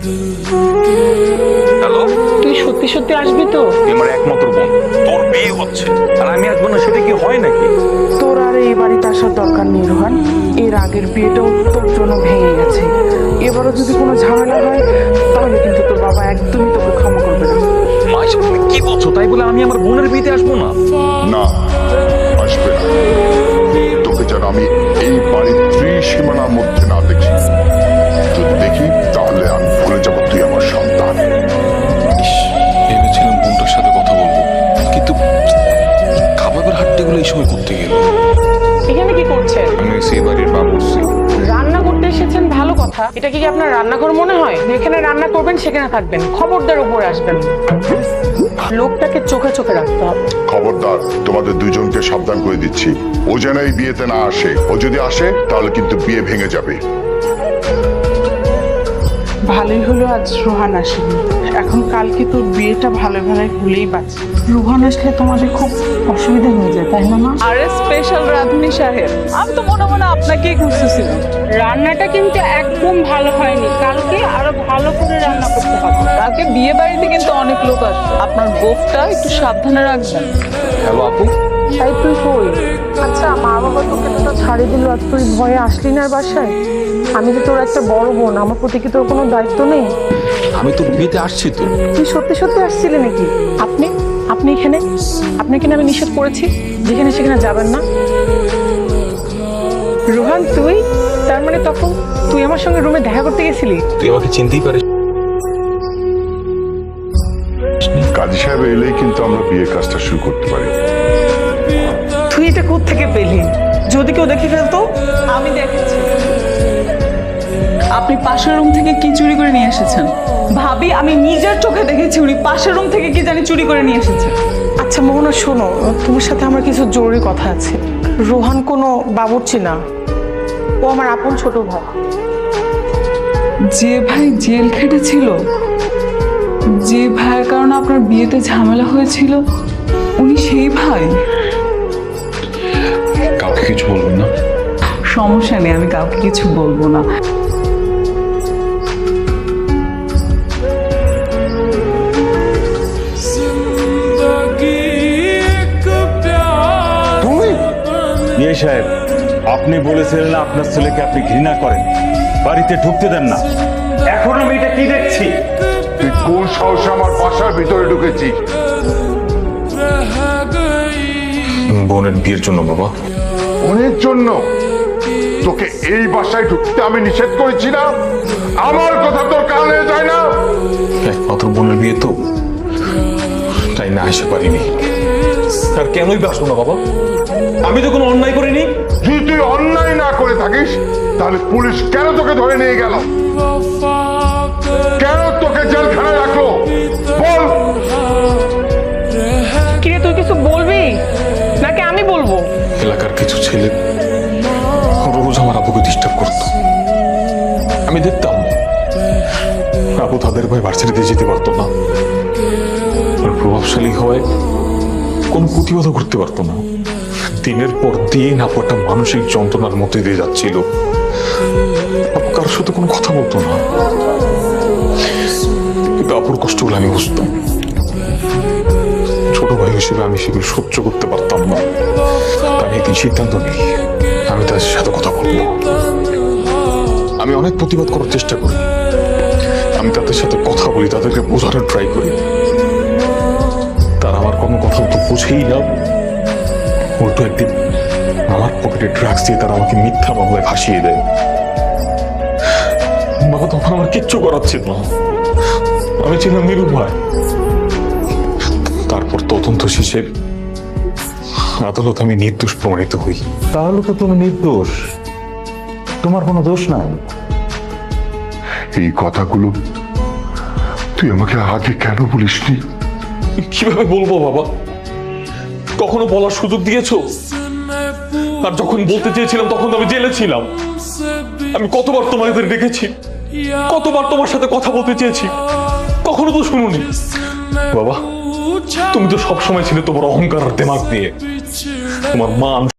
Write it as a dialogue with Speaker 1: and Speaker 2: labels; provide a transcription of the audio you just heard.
Speaker 1: Hello,
Speaker 2: তুই সত্যি সত্যি আসবি তো?
Speaker 1: তুই আমার একমাত্র বোন, তোর বিয়ে হচ্ছে আর আমি আসবো না, সেটা কি হয় নাকি?
Speaker 2: তোর আর এই বাড়িতে আসার দরকার নেই রোহান। এর আগের বিয়েটাও তোর জন্য ভেঙে গেছে। এবারও যদি কোনো ঝামেলা হয় তাহলে কিন্তু তোর বাবা একদমই তোকে ক্ষমা করবে না।
Speaker 1: মা, এসব তুমি কি বলছো? তাই বলে আমি আমার বোনের বিয়েতে আসবো না?
Speaker 3: না, আসবে না। তোকে যেন আমি এই বাড়ির ত্রিসীমানার মধ্যে না দেখি। যদি দেখি তাহলে আমি ভুলে যাবো তুই আমার সন্তান।
Speaker 4: ভেবেছিলাম বোনটার সাথে কথা বলবো, কিন্তু কাবাবের হাট্টিগুলো এই সময় করতে গেল।
Speaker 2: এখানে কি করছেন?
Speaker 4: আমি সেই বাড়ির বাবুর্চি।
Speaker 2: রান্না করতে এসেছেন, ভালো কথা। এটা কি আপনার রান্নাঘর মনে হয়? যেখানে রান্না করবেন সেখানে থাকবেন, খবরদার উপরে আসবেন না। লোকটাকে চোখে চোখে রাখতে হবে।
Speaker 3: খবরদার, তোমাদের দুজনকে সাবধান করে দিচ্ছি। ও যেন এই বিয়েতে না আসে। ও যদি আসে তাহলে কিন্তু বিয়ে ভেঙে যাবে।
Speaker 5: ভালোই হলো আজ রোহান আসেনি। এখন কালকে তোর বিয়েটা ভালো ভালো হলেই বাঁচে। রোহান আসলে তোমাদের খুব অসুবিধা হয়ে যায়, তাই না মা?
Speaker 6: আরে স্পেশাল রাঁধুনি সাহেব, আমি তো মনে মনে আপনাকেই খুঁজতেছিলাম। রান্নাটা কিন্তু একদম ভালো হয়নি, কালকে আরো ভালো করে রান্না করতে হবে। কালকে বিয়ে বাড়িতে কিন্তু অনেক লোক আসবে, আপনার গোফটা একটু সাবধানে রাখবেন।
Speaker 1: হ্যালো আপু,
Speaker 2: তাই তুই কই? আচ্ছা, মা বাবা তোকে তো ছাড়ি দিল আর তুই ভয়ে আসলি না বাসায়? আমি তো তোর একটা বড় বোন, আমার প্রতি কি তোর কোনো দায়িত্ব নেই?
Speaker 4: আমি তোর বিয়েতে আসছি তো।
Speaker 2: তুই সত্যি সত্যি আসছিলি নাকি? আপনি আপনি এখানে? আপনাকে না আমি নিষেধ করেছি যেখানে সেখানে যাবেন না। রোহান, তুই তার মানে তখন তুই আমার সঙ্গে রুমে দেখা করতে গেছিলি?
Speaker 4: তুই আমাকে চিনতেই পারিস?
Speaker 3: কাজী সাহেব এলেই কিন্তু আমরা বিয়ের কাজটা শুরু করতে পারি।
Speaker 2: তুই এটা কোত্থেকে পেলি? যদি কেউ দেখে ফেলতো?
Speaker 6: আমি দেখেছি আপনি পাশের রুম থেকে কি চুরি করে নিয়ে এসেছেন। ভাবি, আমি নিজের চোখে দেখেছি উনি পাশের রুম থেকে কি জানি চুরি করে নিয়ে এসেছেন।
Speaker 2: আচ্ছা মোহনা, শোনো, তোমার সাথে আমার কিছু জরুরি কথা আছে। রোহান কোনো বাবুর্চি না, ও আমার আপন ছোট ভাই।
Speaker 6: যে ভাই জেল খেটেছিল, যে ভাইয়ের কারণে আপনার বিয়েতে ঝামেলা হয়েছিল, উনি সেই ভাই?
Speaker 4: কাউকে কিছু বলবেন না।
Speaker 6: সমস্যা নেই, আমি কাউকে কিছু বলবো না।
Speaker 7: তুমি ইয়ে সাহেব, আপনি বলেছিলেন না আপনার ছেলেকে আপনি ঘৃণা করেন, বাড়িতে ঢুকতে দেন না। এখন আমি এটা কি দেখছি?
Speaker 3: তুই কোন সাহসে আমার বাসার ভিতরে ঢুকেছিস?
Speaker 4: বোনের বিয়ের জন্য বাবা।
Speaker 3: অনেক জন্য তোকে এই বাসায় ঢুকতে আমি নিষেধ করেছি না? আমার কথা তোর কানে যায় না?
Speaker 4: একমাত্র বোনের বিয়ে তো, তাই না আসতে পারিনি।
Speaker 7: আর কেনই বাসবো না বাবা? আমি তো কোনো অন্যায় করিনি।
Speaker 3: যদি তুই অন্যায় না করে থাকিস তাহলে পুলিশ কেন তোকে ধরে নিয়ে গেল? কেন তোকে জেলখানায় রাখলো বল?
Speaker 2: কিরে, তুই কিছু বলবি নাকি আমি বলবো?
Speaker 4: এলাকার কিছু ছেলে রোজ আমার আবুকে ডিস্টার্ব করতো। আমি দেখতাম আবু তাদের ভয় ভার্সিটিতে যেতে পারতো না, আর প্রভাবশালী হওয়ায় কোনো প্রতিবাদও করতে পারতো না। দিনের পর দিন আপু একটা মানসিক যন্ত্রণার মধ্যে দিয়ে যাচ্ছিল। আপু কারোর সাথে কোনো কথা বলতো না, কিন্তু আপুর কষ্টগুলো আমি বুঝতাম। ছোট ভাই হিসেবে আমি সেগুলো সহ্য করতে পারতাম না। আমি একদিন সিদ্ধান্ত নিই, আমি তাদের সাথে কথা বলবো। আমি অনেক প্রতিবাদ করার চেষ্টা করি, আমি তাদের সাথে কথা বলি, তাদেরকে বোঝানোর ট্রাই করি। তারা আমার কোনো কথা তো বুঝেই না। উল্টো একদিন আমার পকেটে ড্রাগস দিয়ে তারা আমাকে মিথ্যা মামলায় ফাঁসিয়ে দেয়। বাবা তখন আমার কিচ্ছু করার ছিল না, আমি ছিলাম নিরুপায়। তারপর তদন্ত শেষে আদালত আমি নির্দোষ প্রমাণিত হই।
Speaker 7: তাহলে তো তুমি নির্দোষ, তোমার কোনো দোষ নাই।
Speaker 3: এই কথাগুলো তুই আমাকে আগে কেন বলিসনি?
Speaker 4: কিভাবে বলবো বাবা? কখনো বলার সুযোগ দিয়েছো? আর যখন বলতে চেয়েছিলাম তখন তো আমি জেলে ছিলাম। আমি কতবার তোমাদের ডেকেছি, কতবার তোমার সাথে কথা বলতে চেয়েছি, কখনো তো শুনুনি। বাবা, তুমি তো সবসময় ছিলে তোমার অহংকার আর দেমাগ দিয়ে। তোমার মান